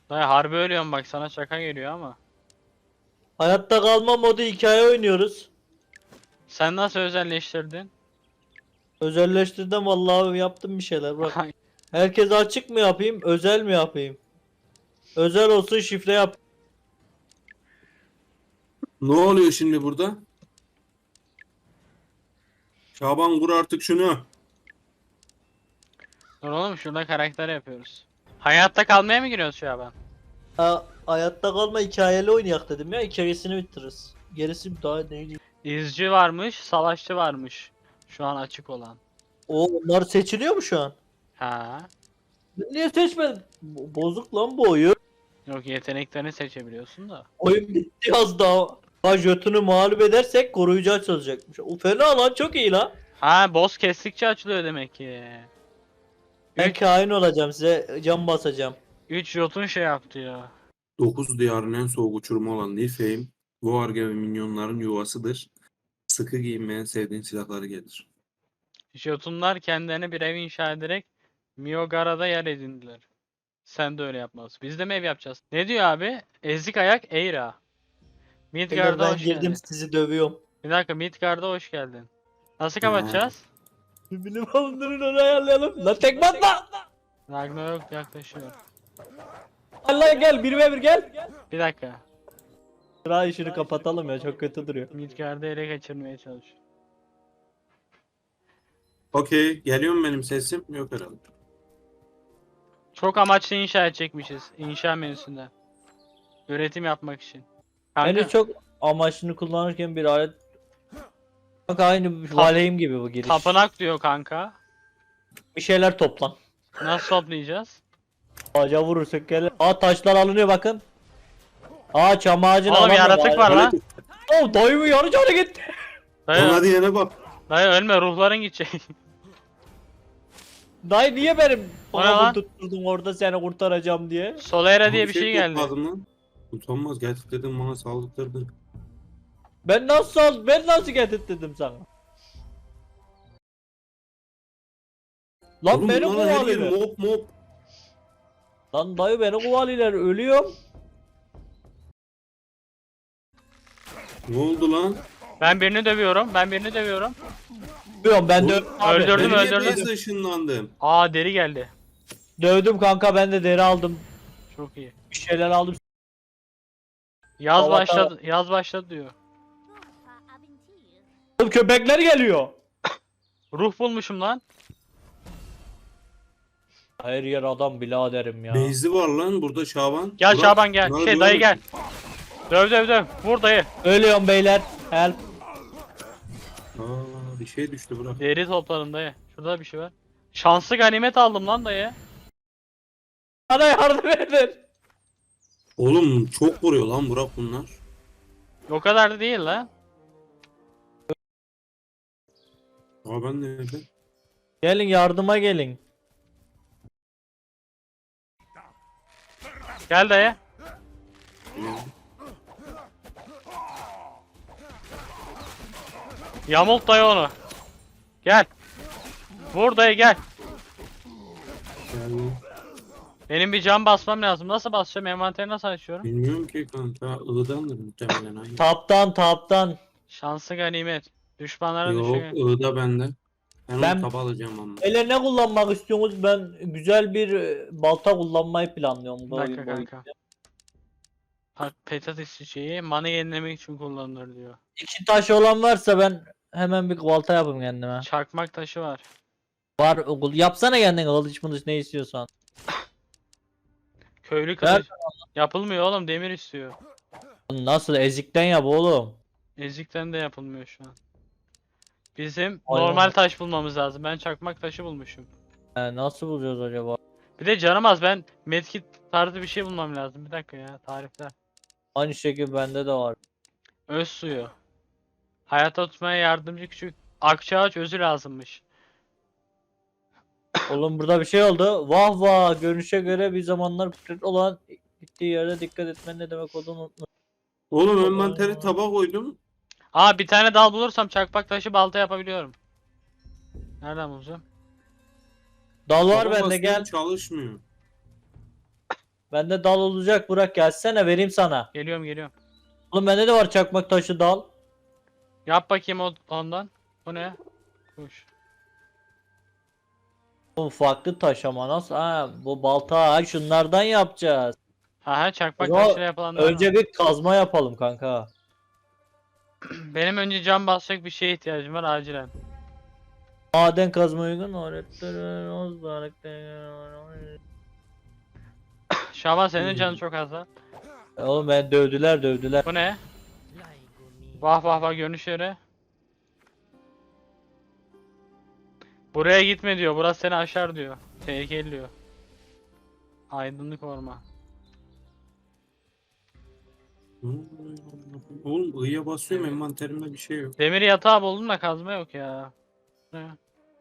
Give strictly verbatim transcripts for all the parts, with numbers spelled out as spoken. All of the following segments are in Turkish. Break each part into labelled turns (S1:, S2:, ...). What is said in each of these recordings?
S1: Dayı harbi ölüyorum bak, sana şaka geliyor ama.
S2: Hayatta kalma modu hikaye oynuyoruz.
S1: Sen nasıl özelleştirdin?
S2: Özelleştirdim vallahi yaptım bir şeyler bak. Herkes açık mı yapayım, özel mi yapayım? Özel olsun şifre yap.
S3: Ne oluyor şimdi burada? Şaban vur artık şunu.
S1: Dur oğlum, şurada karakter yapıyoruz. Hayatta kalmaya mı giriyoruz şu an?
S2: Ha, hayatta kalma hikayeli oynayak dedim ya, hikayesini bitiririz. Gerisi daha neydi?
S1: İzci varmış, savaşçı varmış. Şu an açık olan.
S2: O onlar seçiliyor mu şu an?
S1: Ha.
S2: Ben niye seçmedim? Bo- Bozuk lan bu oyun.
S1: Yok, yeteneklerini seçebiliyorsun da.
S2: Oyun bitti az daha. Ha Jötun'u mağlup edersek koruyucu açılacakmış. O fena lan, çok iyi lan.
S1: Ha, boss kestikçe açılıyor demek ki.
S2: Ben kain olacağım, size can basacağım.
S1: üç Jotun şey yaptı ya.
S3: Dokuz diyarın en soğuk uçurumu olan Niflheim, Voarge ve minyonların yuvasıdır. Sıkı giyinmeyen sevdiğin silahları gelir.
S1: Jotunlar kendilerine bir ev inşa ederek Miogara'da yer edindiler. Sen de öyle yapmalısın. Biz de mi ev yapacağız? Ne diyor abi? Ezik ayak Eira.
S2: Beyler
S1: Midgard'a
S2: ben
S1: hoş
S2: girdim,
S1: geldin.
S2: sizi dövüyorum.
S1: Bir dakika, Midgard'a hoş geldin. Nasıl kapatacağız?
S2: Bilim alındırın, onu ayarlayalım. Lan tekme atma!
S1: Ragnarok yaklaşıyor.
S2: Allah gel, bir ve bir gel.
S1: Bir dakika.
S2: Sıra işini kapatalım ya, çok kötü duruyor.
S1: Midgard'ı ele geçirmeye çalışıyor.
S3: Okey, geliyor mu benim sesim? Yok herhalde.
S1: Çok amaçlı inşa edecekmişiz. İnşa menüsünde. Üretim yapmak için. Kanka,
S2: Bence çok amaçını kullanırken bir alet... Bak aynı Valheim gibi bu giriş.
S1: tapınak diyor kanka.
S2: Bir şeyler toplan.
S1: Nasıl toplayacağız?
S2: Ağaca vurursak gel. Aa taşlar alınıyor bakın. Aa çam ağacını
S1: Oğlum
S2: alamıyorum.
S1: yaratık var lan.
S2: Oh dayımın yarı canı gitti.
S1: Dayı,
S3: Ona diyene bak.
S1: dayı ölme, ruhların gidecek.
S2: Dayı niye benim
S1: O ne lan?
S2: babamı tutturdun orada seni kurtaracağım diye.
S1: Solera diye
S3: Ama
S1: bir şey geldi.
S3: yapmadım lan. Utanmaz, gerçekten bana saldırdın.
S2: Ben nasıl al ben nasıl getirttirdim sana? Lan
S3: Oğlum
S2: beni
S3: bunların her yeri
S2: kovalıyorlar.
S3: mop mop.
S2: Lan dayı beni kovalıyorlar, ölüyorum.
S3: Ne oldu lan?
S1: Ben birini dövüyorum. Ben birini dövüyorum.
S2: Ölüyorum ben de.
S3: Oğlum,
S2: Abi,
S1: öldürdüm,
S3: Ben
S1: öldürdüm.
S3: niye beyaz ışınlandım?
S1: Aa, deri geldi.
S2: Dövdüm kanka, ben de deri aldım.
S1: Çok iyi.
S2: Bir şeyler aldım.
S1: Yaz
S2: Avatar-
S1: başladı. Yaz başladı diyor.
S2: Oğlum köpekler geliyor.
S1: Ruh bulmuşum lan.
S2: Her yer adam biraderim ya.
S3: Beyzi var lan burada Şaban.
S1: Gel
S3: Burak,
S1: Şaban gel.
S3: bunları
S1: Şey dayı
S3: görüyor
S1: gel. Döv döv döv. Vur dayı.
S2: Ölüyorum beyler. Help.
S3: musun? Aa, bir şey düştü Burak.
S1: Deri topladım dayı. Şurada bir şey var. Şanslı ganimet aldım lan dayı.
S2: Bana yardım edin.
S3: Oğlum çok vuruyor lan Burak bunlar.
S1: O kadar da değil lan.
S3: Aa ben nerede?
S2: Gelin yardıma gelin.
S1: Gel dayı. Yamult dayı onu. Gel. Vur dayı gel.
S3: Yani
S1: Benim bir can basmam lazım. Nasıl basacağım? Envanteri nasıl açıyorum?
S3: bilmiyorum ki kanka. Iğdandır muhtemelen. Hayır.
S2: Taptan taptan.
S1: Şanslı ganimet. Düşmanlara
S3: Yok
S1: düşüyor.
S3: Iğda bende. Ben,
S2: Ben-
S3: onu taba alacağım ama.
S2: Ele ne kullanmak istiyorsunuz? Ben güzel bir e, balta kullanmayı planlıyorum.
S1: Bir
S2: bu
S1: dakika
S2: oyun boyunca.
S1: kanka. Bak, patates çiçeği mana yenilemek için kullanılır diyor.
S2: İki taş olan varsa ben hemen bir balta yapayım kendime.
S1: Çakmak taşı var.
S2: Var okul. Yapsana kendine kılıç mılıç ne istiyorsan.
S1: Köylü
S2: Ver.
S1: kılıç. Yapılmıyor oğlum, demir istiyor.
S2: Nasıl ezikten yap oğlum.
S1: Ezikten de yapılmıyor şu an. Bizim
S2: Aynen.
S1: normal taş bulmamız lazım. Ben çakmak taşı bulmuşum.
S2: He, nasıl bulacağız acaba?
S1: Bir de canım az, ben medkit tarzı bir şey bulmam lazım. Bir dakika ya, tarifler.
S2: Aynı şekilde bende de var.
S1: Öz suyu. Hayatta tutmaya yardımcı küçük akçaağaç özü lazımmış.
S2: Oğlum burada bir şey oldu. Vah vah, görünüşe göre bir zamanlar kudret olan gittiği yere dikkat etmen ne demek olduğunu unutma.
S3: Oğlum envanteri taba koydum.
S1: Aa, bir tane dal bulursam çakmak taşı balta yapabiliyorum. Nereden bulacağım?
S2: Dal var
S3: Taba
S2: bende,
S3: bastım,
S2: gel.
S3: çalışmıyor.
S2: Bende dal olacak, Burak gelsene vereyim sana.
S1: Geliyorum geliyorum.
S2: Oğlum bende de var çakmak taşı dal.
S1: Yap bakayım o- ondan. O ne? Kuş.
S2: Bu farklı taş ama nasıl? Ha, bu balta ha, şunlardan yapacağız.
S1: Ha ha
S2: O
S1: çakmak
S2: zaman
S1: taşıyla yapılanlar var.
S2: önce bir kazma yapalım kanka.
S1: Benim önce cam basacak bir şeye ihtiyacım var acilen.
S2: Maden kazma uygun öğretmen.
S1: Şaban senin canın çok az lan.
S2: Oğlum ben dövdüler dövdüler.
S1: Bu ne? Vah vah vah görünüşleri. Buraya gitme diyor. Burası seni aşar diyor. Tehlikeli diyor. Aydınlık orman.
S3: Hmm. Oğlum ı'ya basıyorum envanterimde bir şey yok.
S1: Demir yatağı buldum da kazma yok ya. Ne?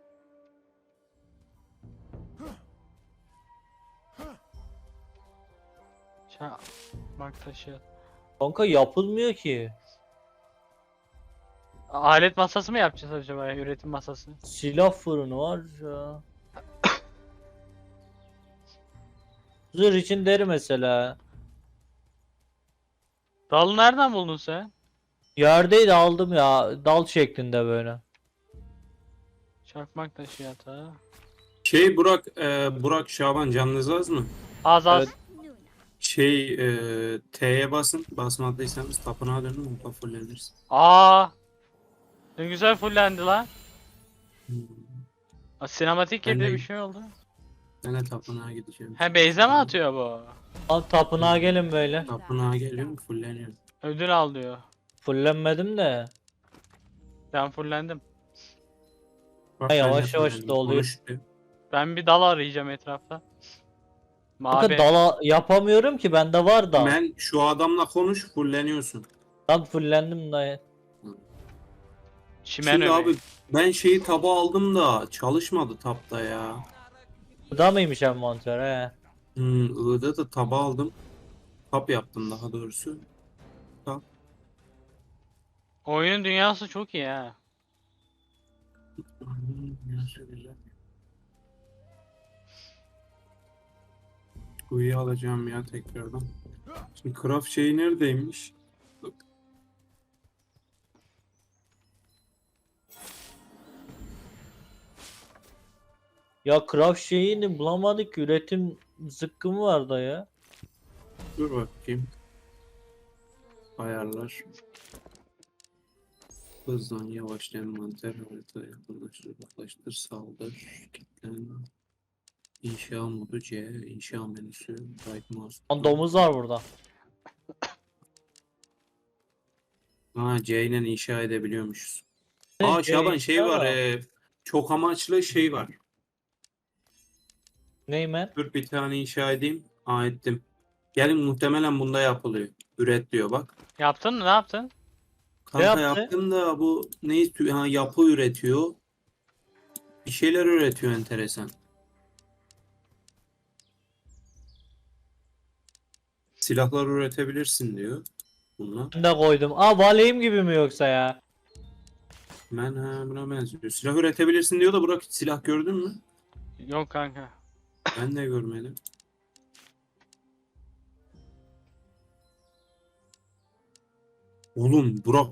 S1: Çakmak taşı.
S2: Kanka yapılmıyor ki.
S1: Alet masası mı yapacağız acaba ya? Üretim masası.
S2: Silah fırını var ya. Zırh için deri mesela.
S1: Dalı nereden buldun sen?
S2: Yerdeydi aldım ya. Dal şeklinde böyle.
S1: Çakmak taşı yatağı.
S3: Şey Burak, e, Burak Şaban canınız az mı?
S1: Az az.
S2: Evet.
S3: Şey e, T'ye basın. Basmadıysanız tapınağa dönün orada fullenirsin.
S1: Aa! Ne güzel fullendi lan.
S3: Hmm.
S1: Aa, sinematik
S3: Ben
S1: gibi
S3: de-
S1: bir şey oldu.
S3: Ben de tapınağa gideceğim.
S1: He Beyze mi atıyor bu?
S2: Al tapınağa gelin böyle.
S3: Tapınağa geliyorum fulleniyorum.
S1: Ödül al diyor.
S2: Fullenmedim de.
S1: Ben fullendim.
S3: Bak
S2: Ha,
S3: ben de
S2: yavaş yavaş
S3: fullendim.
S2: doluyor.
S3: Konuş diyor.
S1: Ben bir dal arayacağım etrafta.
S2: Kanka
S1: Mavi.
S2: dala yapamıyorum ki bende var da.
S3: Ben şu adamla konuş fulleniyorsun.
S2: Lan fullendim dayı.
S1: Çimen
S3: Şimdi
S1: öbeği.
S3: abi ben şeyi taba aldım da çalışmadı tapta ya.
S2: Bu da mıymış envanter he?
S3: Hmm, I'da da taba aldım. Tap yaptım daha doğrusu. Tap.
S1: Oyunun dünyası çok iyi ha.
S3: Hmm, nasıl güzel. Kuyu alacağım ya tekrardan. Şimdi craft şeyi neredeymiş?
S2: Ya craft şeyini bulamadık ki, üretim zıkkımı var da ya.
S3: Dur bakayım. Ayarlar. Hızlan yavaş envanter harita yakınlaştır uzaklaştır saldır kilitlen inşa modu C inşa menüsü right mouse
S2: Lan domuz var burada.
S3: ha C ile inşa edebiliyormuşuz.
S2: Ne
S3: Aa
S2: C
S3: Şaban şey
S2: inşa
S3: var
S2: var?
S3: e, çok amaçlı şey var.
S2: Neymen?
S3: Dur bir tane inşa edeyim. Aa ettim. Gelin muhtemelen bunda yapılıyor. Üret diyor bak.
S1: Yaptın mı? Ne yaptın?
S3: Kanka
S2: yaptı?
S3: yaptım da bu ne istiyor? Ha, yapı üretiyor. Bir şeyler üretiyor enteresan. Silahlar üretebilirsin diyor. Bununla.
S2: Ben de koydum. Aa valeyim gibi mi yoksa ya?
S3: Ben ha buna benziyor. Silah üretebilirsin diyor da Burak hiç silah gördün mü?
S1: Yok kanka.
S3: Ben de görmedim. Oğlum Burak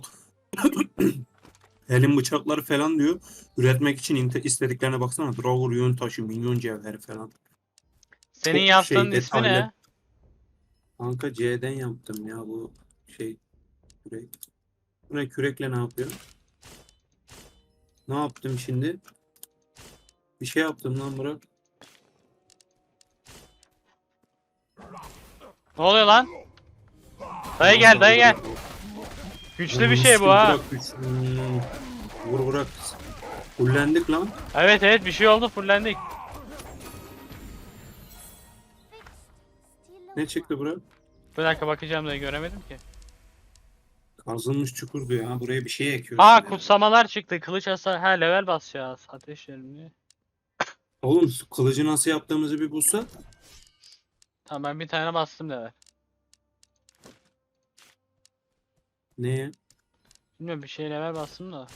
S3: elin bıçakları falan diyor. Üretmek için inte- istediklerine baksana. Draugr yön taşı, minyon cevheri falan.
S1: Senin
S3: Çok
S1: yaptığın
S3: şey,
S1: ismi ne?
S3: detaylı. Kanka C'den yaptım ya bu şey kürek. Bu ne kürekle ne yapıyor? Ne yaptım şimdi? Bir şey yaptım lan Burak.
S1: Ne oluyor lan? Dayı gel dayı gel. Güçlü bir şey bu ha.
S3: Burak güç- Hmm. Vur Burak. Fullendik lan.
S1: Evet evet bir şey oldu fullendik.
S3: Ne çıktı Burak?
S1: Bir dakika bakacağım da göremedim ki.
S3: Kazılmış çukur diyor ha. Buraya bir şey ekiyorsun.
S1: Aa
S3: ya.
S1: kutsamalar çıktı. Kılıç hasar. Ha level basacağız. Ateş yerini.
S3: Oğlum kılıcı nasıl yaptığımızı bir bulsa.
S1: Tamam ben bir tane bastım level.
S3: Neye?
S1: Bilmiyorum bir şey level bastım da.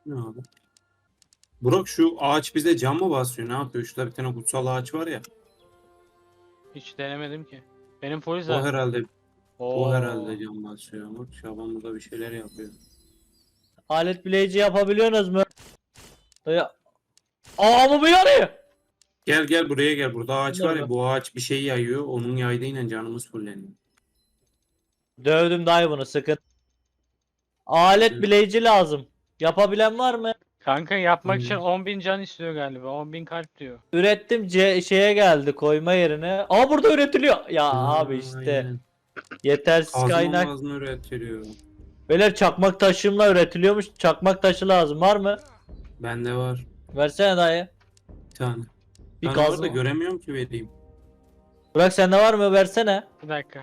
S3: Ne abi? Burak şu ağaç bize cam mı basıyor? Ne yapıyor? Şurada bir tane kutsal ağaç var ya.
S1: Hiç denemedim ki. Benim full
S3: O
S1: zaten.
S3: herhalde o
S1: Oo.
S3: herhalde cam basıyor. Bak Şaban burada bir şeyler yapıyor.
S2: Alet bileyici yapabiliyorsunuz mu? Dayı. Aa bu yarıyor.
S3: Gel gel buraya gel. Burada ağaç var
S2: Nerede?
S3: ya. Bu ağaç bir şey yayıyor. Onun yaydığıyla canımız fulleniyor.
S2: Dövdüm dayı bunu sıkın. Alet
S3: Hı.
S2: bileyici lazım. Yapabilen var mı?
S1: Kanka yapmak için
S3: Hmm.
S1: on bin can istiyor galiba. on bin kalp diyor.
S2: Ürettim C şeye geldi koyma yerine. Aa burada üretiliyor. Ya
S3: Ha,
S2: abi işte
S3: aynen.
S2: yetersiz
S3: Kazma
S2: kaynak.
S3: mazma üretiliyor.
S2: Beyler çakmak taşımla üretiliyormuş. Çakmak taşı lazım var mı?
S3: Bende var
S2: Versene dayı.
S3: bir tane.
S2: Bir
S3: Bir tane var
S2: gaz
S3: da göremiyorum ki vereyim.
S2: Bırak sende var mı? Versene.
S1: Bir dakika.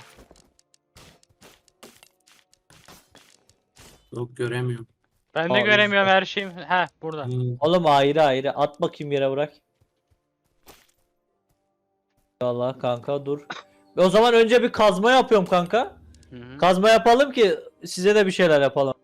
S3: Yok göremiyorum.
S1: Ben de
S2: Aa,
S1: göremiyorum
S2: işte.
S1: her şeyim. Heh burada.
S3: Hmm.
S2: Oğlum ayrı ayrı. At bakayım yere bırak. Allah kanka dur. O zaman önce bir kazma yapıyorum kanka.
S1: Hı hı.
S2: Kazma yapalım ki size de bir şeyler yapalım.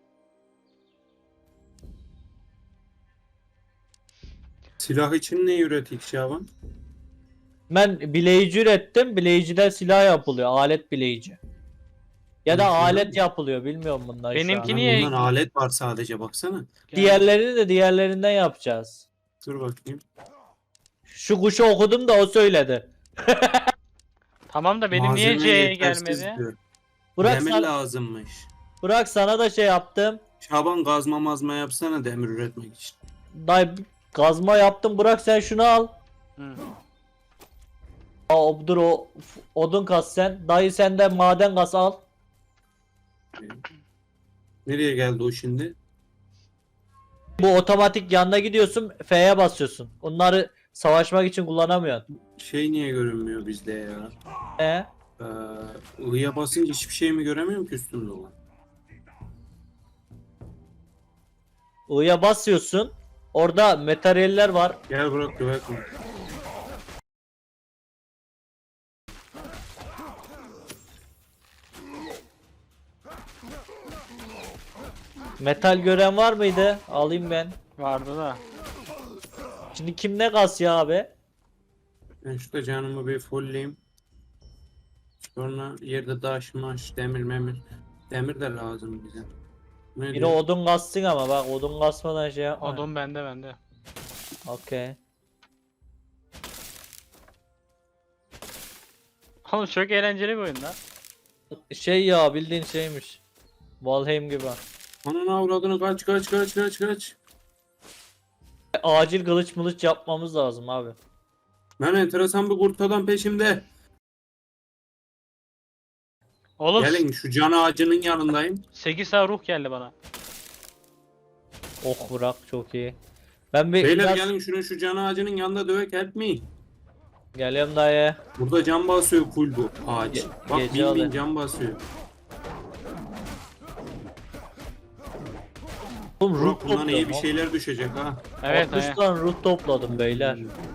S3: Silah için ne üretik Şaban?
S2: Ben bileyici ürettim. Bileyiciden silah yapılıyor. Alet bileyici. Ya da
S3: Hı, şöyle
S2: alet
S3: mi?
S2: yapılıyor. Bilmiyorum bundan şu
S1: Benimki
S2: an.
S1: niye-
S3: Bundan alet var sadece baksana.
S1: Gel.
S2: Diğerlerini de diğerlerinden yapacağız.
S3: Dur bakayım.
S2: Şu kuşu okudum da o söyledi.
S1: Tamam da benim niye
S3: Malzeme
S1: C'ye
S3: yetersiz
S1: gelmedi?
S3: diyor.
S2: Bırak,
S3: Demir
S2: sana,
S3: lazımmış.
S2: bırak sana da şey yaptım.
S3: Şaban gazma mazma yapsana demir üretmek için.
S2: Dayı kazma yaptım. Bırak sen şunu al.
S1: Hı.
S2: Aa, dur o f- odun kas sen. Dayı sen de maden kas al.
S3: Nereye geldi o şimdi?
S2: Bu otomatik yanına gidiyorsun. F'ye basıyorsun. Onları savaşmak için kullanamıyorsun.
S3: Şey niye görünmüyor bizde ya?
S2: E?
S3: Ee, I'ya basınca hiçbir şey mi göremiyorum ki üstümde olan?
S2: I'ya basıyorsun. Orada materyaller var.
S3: Gel bırak dövek mi?
S2: Metal gören var mıydı? Alayım ben.
S1: Vardı da.
S2: Şimdi kim ne kas ya abi?
S3: Ben şurada canımı bir fullleyeyim. Sonra yerde taş maş demir memir. Demir de lazım bize. Ne
S2: Biri
S3: diyor?
S2: odun kassın ama bak odun kasmadan şey yapma.
S1: Odun bende bende.
S2: Okey.
S1: Oğlum çok eğlenceli bir oyun lan.
S2: Şey ya bildiğin şeymiş. Valheim gibi.
S3: Ananı avradını kaç kaç kaç kaç kaç.
S2: Acil kılıç mılıç yapmamız lazım abi.
S3: Ben enteresan bir kurt adam peşimde.
S1: Oğlum
S3: Gelin şu can ağacının yanındayım.
S1: sekiz tane ruh geldi bana.
S2: Oh bırak çok iyi. Ben bir
S3: Beyler
S2: biraz...
S3: gelin şunun şu can ağacının yanında dövek help me.
S2: Geliyorum dayı.
S3: Burada can basıyor full bu ağaç.
S2: Ge-
S3: Bak
S2: gece
S3: bin bin
S2: alıyor.
S3: can basıyor.
S2: Oğlum ruh
S3: Burak bundan iyi
S2: topluyorum.
S3: bir şeyler düşecek ha.
S1: Evet
S2: altmış
S1: evet.
S2: tane ruh topladım beyler.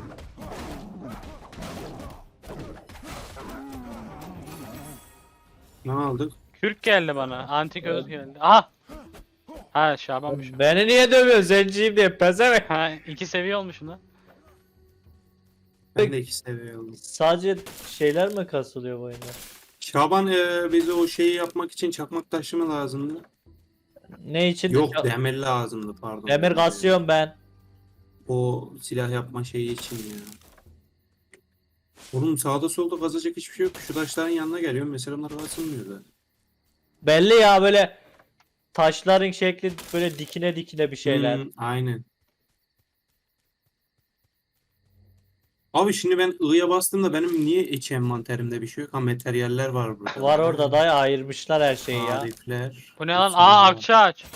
S3: Ne aldık?
S1: Kürk geldi bana. Antik öz geldi. Aha. Ha Şabanmış. o.
S2: Beni niye dövüyorsun zenciyim diye pezevenk.
S1: Ha iki seviye olmuşum lan.
S3: Ben de iki seviye aldım.
S2: Sadece şeyler mi kasılıyor bu oyunda?
S3: Şaban e, bize o şeyi yapmak için çakmak taşı mı lazımdı?
S2: Ne için?
S3: Yok
S2: Ya-
S3: demir lazımdı pardon.
S2: Demir kasıyorum ben.
S3: O silah yapma şeyi için ya. Oğlum sağda solda kazacak hiçbir şey yok. Şu taşların yanına geliyorum. Mesela bunlar kasılmıyor da.
S2: Belli ya böyle taşların şekli böyle dikine dikine bir şeyler.
S3: Hmm, aynen. Abi şimdi ben I'ya bastığımda benim niye iç envanterimde bir şey yok? Ha materyaller var burada.
S2: Var orada da ayırmışlar her şeyi ya.
S3: Tarifler.
S1: Bu ne lan?
S3: Hepsi
S1: Aa
S3: var.
S1: akça ağaç.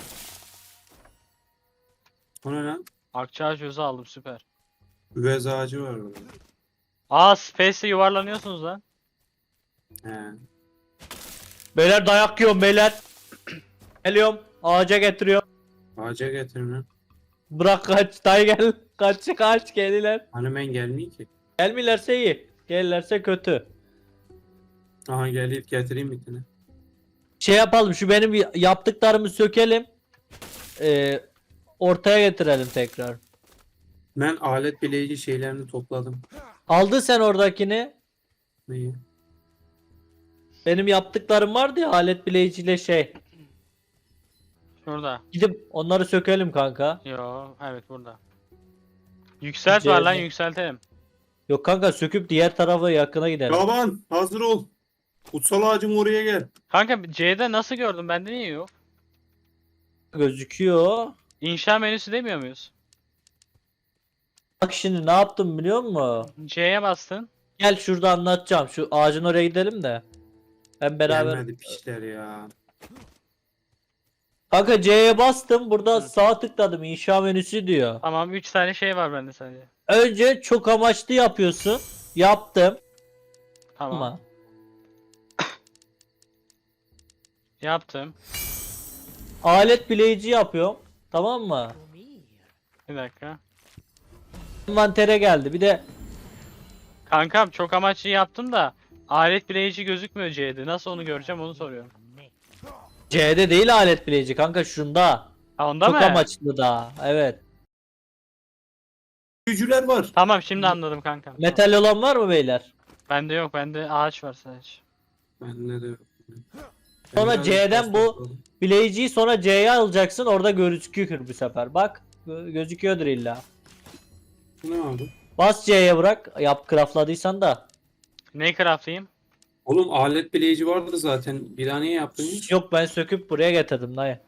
S3: O ne lan?
S1: Akça ağaç özü aldım süper.
S3: Üvez ağacı var orada.
S1: Aa Space'e yuvarlanıyorsunuz lan.
S3: He.
S2: Beyler dayak yiyorum beyler. Geliyorum ağaca getiriyorum.
S3: Ağaca getirin lan.
S2: Bırak kaç dayı gel. Kaç kaç geldiler.
S3: Hani ben gelmeyeyim ki.
S2: Gelmiyorlarsa iyi. Gelirlerse kötü.
S3: Aha gelip getireyim bir tane.
S2: Şey yapalım şu benim yaptıklarımı sökelim. Ee, ortaya getirelim tekrar.
S3: Ben alet bileyici şeylerini topladım.
S2: Aldın sen oradakini.
S3: Neyi?
S2: Benim yaptıklarım vardı ya alet bileyiciyle şey.
S1: Şurada.
S2: Gidip onları sökelim kanka.
S1: Yo, evet burada. Yükselt var lan,
S2: C'de.
S1: yükseltelim.
S2: Yok kanka söküp diğer tarafa yakına gidelim.
S3: Şaban hazır ol. Kutsal ağacın oraya gel.
S1: Kanka C'de nasıl gördüm? Bende niye yok?
S2: Gözüküyor.
S1: İnşa menüsü demiyor muyuz?
S2: Bak şimdi ne yaptım biliyor musun?
S1: C'ye bastın.
S2: Gel şurada anlatacağım. Şu ağacın oraya gidelim de. Hem beraber.
S3: Gelmedi pişler ya.
S2: Kanka C'ye bastım. Burada
S1: Hı.
S2: sağ tıkladım. İnşa menüsü diyor.
S1: Tamam, üç tane şey var bende sadece.
S2: Önce çok amaçlı yapıyorsun. Yaptım.
S1: Tamam.
S2: Ama
S1: Yaptım.
S2: alet bileyici yapıyorum. Tamam mı?
S1: Bir dakika.
S2: Envantere geldi. Bir de
S1: Kankam çok amaçlı yaptım da alet bileyici gözükmüyor C'de. Nasıl onu göreceğim onu soruyorum.
S2: C'de değil alet bileyici kanka şunda.
S1: Ha, onda
S2: Çok
S1: mı?
S2: amaçlı da. Evet.
S3: Büyücüler var.
S1: Tamam, şimdi anladım kankam. Tamam.
S2: Metal olan var mı beyler?
S1: Bende yok. Bende ağaç var sadece.
S3: Bende de yok.
S2: Sonra
S3: Ben biraz
S2: C'den bu-
S3: topladım.
S2: Bileyiciyi sonra C'ye alacaksın. Orada gözüküyor bu sefer. Bak. gö- Gözüküyordur illa.
S3: Bu ne abi?
S2: Bas C'ye bırak. Yap craftladıysan da.
S1: Ne craftlayayım?
S3: Oğlum alet bileyici vardı zaten. Bir daha niye yaptın hiç?
S2: Yok ben söküp buraya getirdim dayı.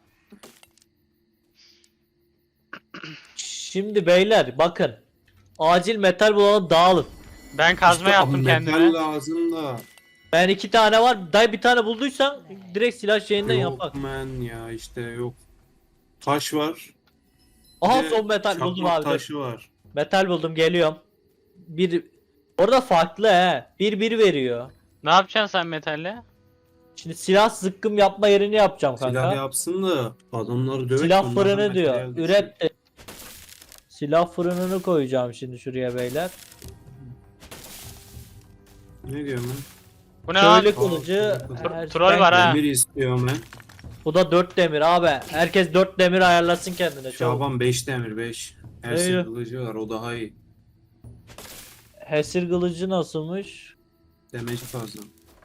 S2: Şimdi beyler bakın. Acil metal bulalım dağılın.
S1: Ben kazma
S3: İşte
S1: yaptım
S3: abi
S1: kendime.
S3: metal lazım da.
S2: Ben iki tane var. Dayı bir tane bulduysan direkt silah şeyinden
S3: Yok
S2: yapak.
S3: man ya işte yok. Taş var.
S2: Aha
S3: Bir de
S2: son metal buldum
S3: çakmak
S2: abi.
S3: taşı var.
S2: Metal buldum geliyorum. Bir orada farklı he. Bir bir veriyor.
S1: Ne yapacaksın sen metalle?
S2: Şimdi silah zıkkım yapma yerini yapacağım kanka.
S3: Silah yapsın da adamları dövek.
S2: Silah
S3: onlardan
S2: fırını diyor.
S3: materyal düşsün.
S2: Üret de. Silah fırınını koyacağım şimdi şuraya beyler.
S3: Ne diyor lan?
S1: Bu ne lan?
S2: Köylü kılıcı.
S3: Tro-
S2: her-
S1: troll
S2: ben-
S1: var ha.
S3: Demir istiyorum ben.
S2: Bu da dört demir abi. Herkes dört demir ayarlasın kendine. Çabuk.
S3: Şaban beş demir beş. Her
S2: Eyvah.
S3: şey kılıcı var o daha iyi.
S2: Hesir kılıcı nasılmış?
S3: Demeci fazla.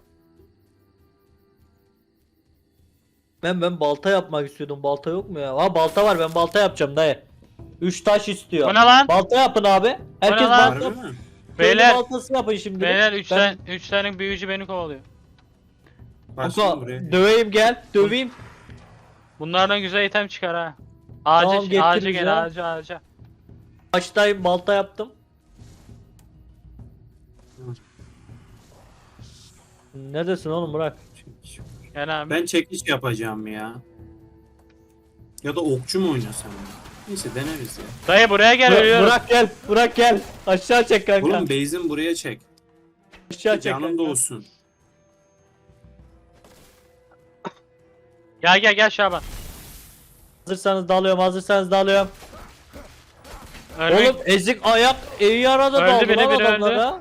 S2: Ben ben balta yapmak istiyordum. Balta yok mu ya? Ha balta var. Ben balta yapacağım dayı. Üç taş istiyor.
S1: Bu ne lan?
S2: Balta yapın abi. Herkes
S1: lan?
S2: balta.
S3: Harbi mi?
S2: Köylü
S1: Beyler,
S2: baltası yapın şimdi.
S1: beyler üç
S2: Ben-
S1: tane üç tane büyücü beni kovalıyor.
S3: Başlayalım
S2: Kanka
S3: buraya.
S2: döveyim gel. Döveyim.
S1: Bunlardan güzel item çıkar ha. Ağaca,
S2: Tamam, getiririz
S1: ağaca
S2: ya.
S1: gel, ağaca, ağaca.
S2: Baştayım balta yaptım. Neredesin oğlum bırak.
S1: Gel abi.
S3: Ben çekiş yapacağım ya. Ya da okçu mu oynasam ya? Neyse deneriz ya.
S1: Dayı buraya gel,
S2: Bırak,
S1: ölüyorum.
S2: bırak gel. Bırak gel. Aşağı çek kanka.
S3: Oğlum base'in buraya çek.
S2: Aşağı çek
S3: Canın
S2: kanka.
S3: da olsun.
S1: Gel gel gel Şaban.
S2: Hazırsanız dalıyorum. Hazırsanız dalıyorum.
S1: Ölmek.
S2: Oğlum ezik ayak iyi arada
S1: Öldü
S2: daldı
S1: biri,
S2: lan
S1: biri
S2: adamlara.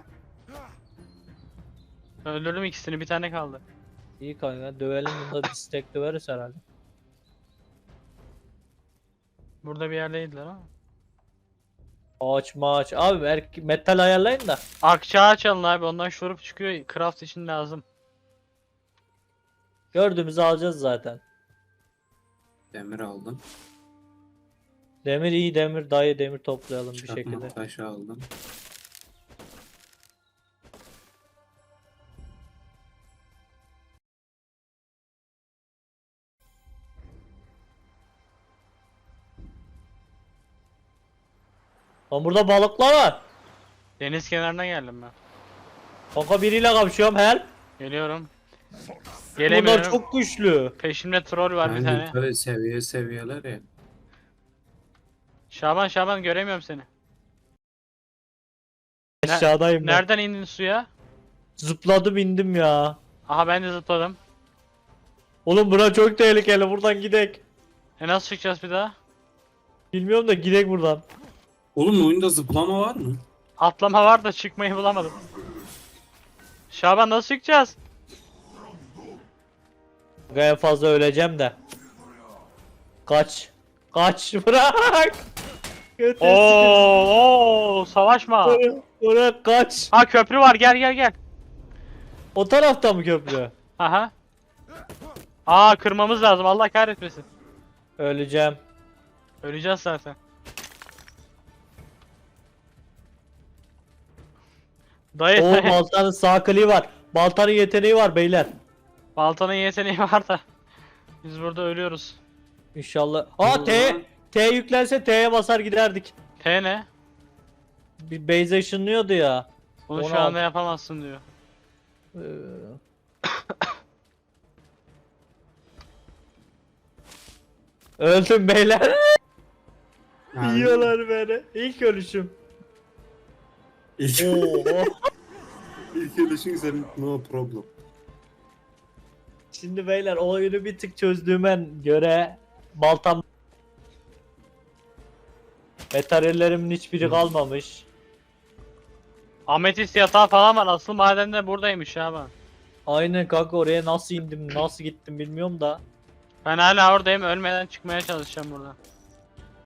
S1: Öldürdüm ikisini, bir tane kaldı.
S2: İyi kanka dövelim bunda distek döveriz herhalde.
S1: Burada bir yerdeydiler ama.
S2: Ağaç maaç. Abi er- metal ayarlayın da.
S1: Akça ağaç alın abi, ondan şurup çıkıyor. Craft için lazım.
S2: Gördüğümüzü alacağız zaten.
S3: Demir aldım.
S2: Demir iyi demir dayı demir toplayalım bir şekilde.
S3: Çakmak taşı aldım.
S2: Lan burada balıklar var.
S1: Deniz kenarına geldim ben.
S2: Kanka biriyle kapışıyorum help.
S1: Geliyorum.
S2: Bunlar
S1: Gelemiyorum.
S2: çok güçlü.
S1: Peşimde troll var bir
S3: Ben
S1: tane.
S3: yukarı seviye seviyeler ya.
S1: Şaban Şaban göremiyorum seni. Ne-
S2: Aşağıdayım ben.
S1: Nereden indin suya?
S2: Zıpladım indim ya.
S1: Aha, ben de zıpladım.
S2: Oğlum bura çok tehlikeli buradan gidek.
S1: E nasıl çıkacağız bir daha?
S2: Bilmiyorum da gidek buradan.
S3: Oğlum oyunda zıplama var mı?
S1: Atlama var da çıkmayı bulamadım. Şaban nasıl çıkacağız?
S2: En fazla öleceğim de. Kaç. Kaç bırak. Götürsün.
S1: Oo, oo, savaşma.
S2: Bırak, bırak kaç.
S1: Ha köprü var, gel gel gel.
S2: O tarafta mı köprü?
S1: Aha. Aa kırmamız lazım, Allah kahretmesin.
S2: Öleceğim.
S1: Öleceğiz zaten. Dayı
S2: O
S1: dayı.
S2: baltanın sağ kliği var. Baltanın yeteneği var beyler.
S1: Baltanın yeteneği var da. Biz burada ölüyoruz.
S2: İnşallah.
S3: Ne
S2: Aa
S3: oldu
S2: T.
S3: lan?
S2: T yüklense T'ye basar giderdik.
S1: T ne?
S2: Bir base ışınlıyordu ya.
S1: Bunu
S2: Onu
S1: şu anda
S2: al.
S1: yapamazsın diyor.
S2: Ee, Öldüm beyler.
S3: Yani
S2: Yiyorlar beni. İlk ölüşüm.
S3: İlk,
S2: Oo.
S3: ilk ölüşün senin no problem.
S2: Şimdi beyler o oyunu bir tık çözdüğüme göre baltam materyallerimin hiçbiri kalmamış.
S1: Ametist yatağı falan var. Asıl maden de buradaymış ya ben.
S2: Aynen kanka oraya nasıl indim nasıl gittim bilmiyorum da.
S1: Ben hala oradayım. Ölmeden çıkmaya çalışacağım buradan.